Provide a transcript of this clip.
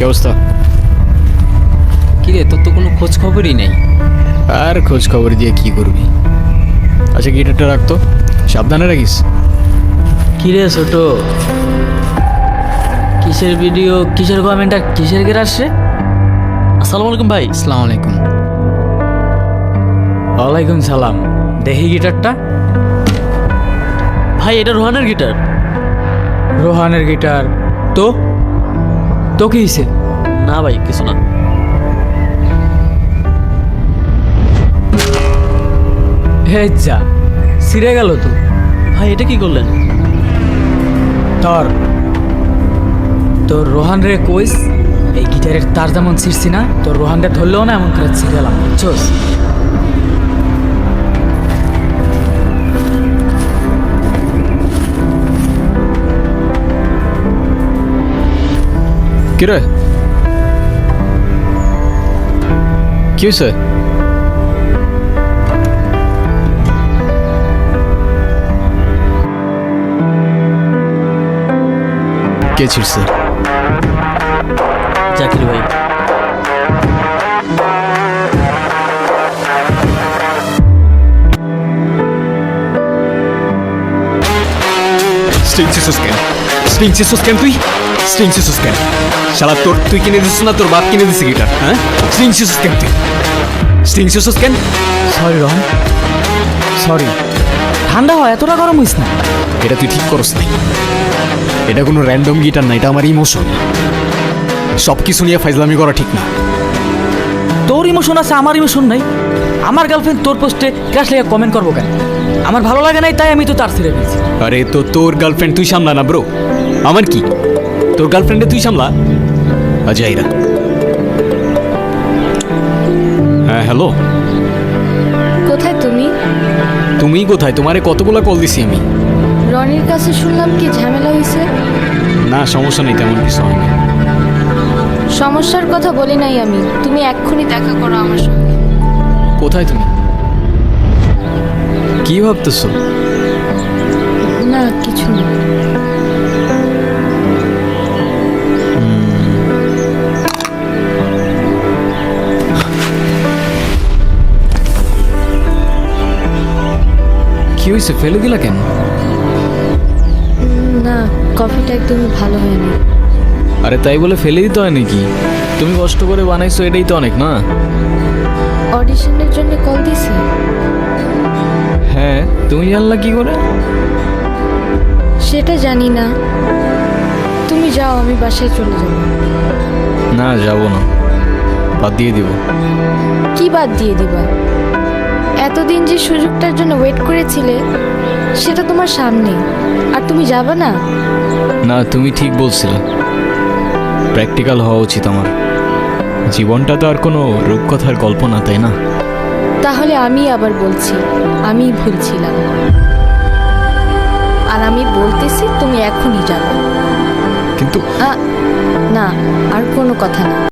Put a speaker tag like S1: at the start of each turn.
S1: অবস্থা?
S2: কিরে, তোর তো কোনো খোঁজ খবরই নেই।
S1: আর খোঁজ খবর দিয়ে কি করবি? আচ্ছা গিটারটা রাখতো, সাবধানে রাখিস।
S3: কিরে ছোট, কিসের ভিডিও, কিসের কমেন্টটা, কিসের গের আসছে? আসসালামু আলাইকুম ভাই।
S1: আসসালামু আলাইকুম।
S3: ওয়ালাইকুম সালাম। দেখি গিটারটা।
S2: ভাই, এটা রোহানের গিটার।
S3: রোহানের গিটার? তো তো কি হয়েছে?
S2: না ভাই, কিছু না।
S3: হে যা, ছিঁড়ে গেল তো।
S2: ভাই, এটা কি করলেন?
S3: তোর তোর রোহান রে কইস, এই গিটারের তার যেমন ছিঁড়ছি না, তোর রোহান রে ধরলেও না এমন করে ছিঁড়ে গেলাম, বুঝছোস?
S1: কি রে, কি হয়েছে? কে ছিড়ছে?
S2: জাকির ভাই।
S1: স্ট্রিং সিসুস কেন? স্ট্রিং সিসুস কেন তুই? স্ট্রিং সিসুস কেন? শালা তুই কিনে দিছিস না তোর বাপ কিনে দিছে গিটার? হ্যাঁ, স্ট্রিং সিসুস কেন তুই? স্ট্রিং সিসুস কেন?
S3: Sorry Rohan, sorry. ঠান্ডা হয়, এতটা গরম হইস না।
S1: এটা তুই ঠিক করস নাই। এটা কোনো র্যান্ডম গিটার না, এটা আমার ইমোশন। সব কিছু নিয়ে ফাইজলামি করা ঠিক না।
S3: তোর ইমোশন আছে, আমার ইমোশন নাই। আমার গার্লফ্রেন্ড তোর পোস্টে ক্রাশ লেগে কমেন্ট করবো কেন? আমার ভালো লাগে নাই, তাই আমি তো তার ছেড়ে দিয়েছি।
S1: আরে তো তোর গার্লফ্রেন্ড তুই সামলা না ব্রো, আমার কি? তোর গার্লফ্রেন্ডে তুই সামলা। আজাইরা। হ্যাঁ হ্যালো,
S4: কোথায় তুমি?
S1: তুমি কোথায়? তোমারে কতগুলা কল দিছি আমি।
S4: রনির কাছে শুনলাম কি ঝামেলা হয়েছে।
S1: না সমস্যা নেই, তেমন কিছু হয়নি।
S4: সমস্যার কথা বলি নাই আমি, তুমি এক্ষুনি দেখা করো আমার সঙ্গে।
S1: কোথায় তুমি? কি ভাবতেছো?
S4: না কিছু না।
S1: কি হয়েছে, ফেলে দিলা কেন?
S4: না, কফিটা একদমই ভালো হয়নি।
S1: আরে তাই বলে ফেলে দিতে হয় নাকি? তুমি কষ্ট করে বানাইছো, এটাই তো অনেক না?
S4: অডিশনের জন্য কল দিছে?
S1: হ্যাঁ, তুমি জানলা কি করে?
S4: সেটা জানি না। তুমি যাও, আমি বাসায় চলে যাব।
S1: না যাবো না, বাদ দিয়ে দিব।
S4: কি বাদ দিয়ে দিবা? এতদিন যে সুযোগটার জন্য ওয়েট করেছিলে সেটা তোমার সামনে, আর তুমি যাবে না?
S1: না তুমি ঠিক বলছিলে, প্র্যাকটিক্যাল হওয়া উচিত আমার। জীবনটা তো আর কোনো রূপকথার গল্প না, তাই না?
S4: তাহলে আমি আবার বলছি, আমি ভুল ছিলাম। আর আমি বলতেছি তুমি এখনই যাবে।
S1: কিন্তু
S4: না, আর কোনো কথা না।